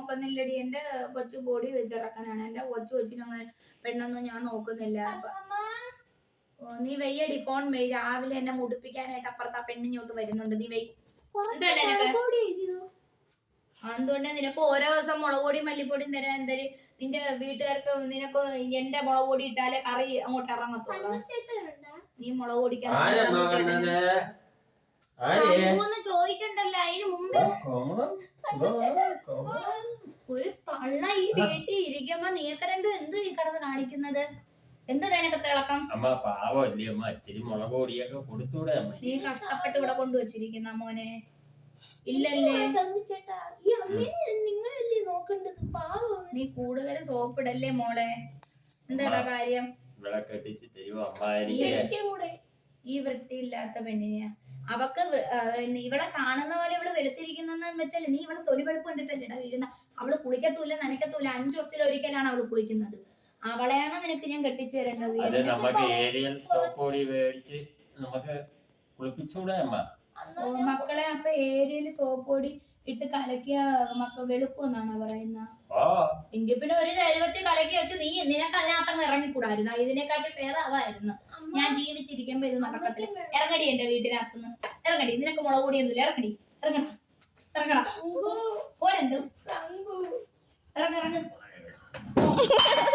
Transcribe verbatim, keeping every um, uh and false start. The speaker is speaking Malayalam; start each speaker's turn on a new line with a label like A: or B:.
A: നോക്കുന്നില്ലടി. എന്റെ കൊച്ചു ബോഡി ചെറുക്കനാണ്. എന്റെ കൊച്ചു കൊച്ചിനങ്ങനെ പെണ്ണൊന്നും ഞാൻ നോക്കുന്നില്ല. നീ വെയ്യടി, ഫോൺ വെയ്. രാവിലെ എന്നെ മുടിപ്പിക്കാനായിട്ട് അപ്പുറത്ത് ആ പെണ്ണിഞ്ഞോട്ട് വരുന്നുണ്ട്. നീ വെയ്. എന്തുകൊണ്ട് നിനക്ക് ഓരോ ദിവസം മുളക് പൊടിയും മല്ലിപ്പൊടിയും തരാൻ എന്തായാലും നിന്റെ വീട്ടുകാർക്ക് നിനക്ക് എന്റെ മുളക് പൊടി ഇട്ടാലേ കറി അങ്ങോട്ട് ഇറങ്ങത്തുള്ളൂ. നീ മുളക് പൊടിക്കാൻ ചോദിക്കണ്ടല്ലോ. അതിന് മുമ്പ് ഒരു തള്ള ഈ വീട്ടിൽ ഇരിക്കുമ്പോ നീയൊക്കെ രണ്ടും എന്ത് ഈ കിടന്ന് കാണിക്കുന്നത്? എന്തുടാ എനക്ക് ഇളക്കം? നീ കഷ്ടപ്പെട്ട് ഇവിടെ കൊണ്ടുവച്ചിരിക്കുന്ന മോനെ. ഇല്ലല്ലേ, നീ കൂടുതൽ സോപ്പിടല്ലേ മോളെ. എന്താടാ കാര്യം? ഈ വൃത്തിയില്ലാത്ത പെണ്ണിനെ അവക്ക് ഇവളെ കാണുന്ന പോലെ ഇവള് വെളുത്തിരിക്കുന്ന വെച്ചാല് നീ ഇവളെ തൊലി വെളുപ്പ് കണ്ടിട്ടല്ലേടാ വീഴുന്ന. അവള് കുളിക്കത്തൂല്ല നനയ്ക്കത്തൂല്ല. അഞ്ചു ദിവസത്തിൽ ഒരിക്കലാണ് അവള് കുളിക്കുന്നത്. അവളെയാണോ നിനക്ക് ഞാൻ കെട്ടിച്ചു തരേണ്ടത്? മക്കളെ അപ്പൊ ഏരിയയില് സോപ്പ് പൊടി ഇട്ട് കലക്കിയ മക്കൾ വെളുക്കുമെന്നാണോ പറയുന്നത്? എങ്കിൽ പിന്നെ ഒരു ചരുവത്തിൽ കലക്കി വെച്ച് നീ നിനക്ക് അതിനകത്തങ്ങ് ഇറങ്ങിക്കൂടായിരുന്നു. ഇതിനെക്കാട്ടി പേര് അതായിരുന്നു. ഞാൻ ജീവിച്ചിരിക്കുമ്പോ ഇത് നടക്കത്തില്ല. ഇറങ്ങടി എന്റെ വീട്ടിനകത്തുനിന്ന് ഇറങ്ങടി. നിനക്ക് മുളക് പൊടിയൊന്നുമില്ല. ഇറങ്ങടി, ഇറങ്ങണ ഇറങ്ങണ പോരണ്ട് ഇറങ്ങിറങ്ങ്.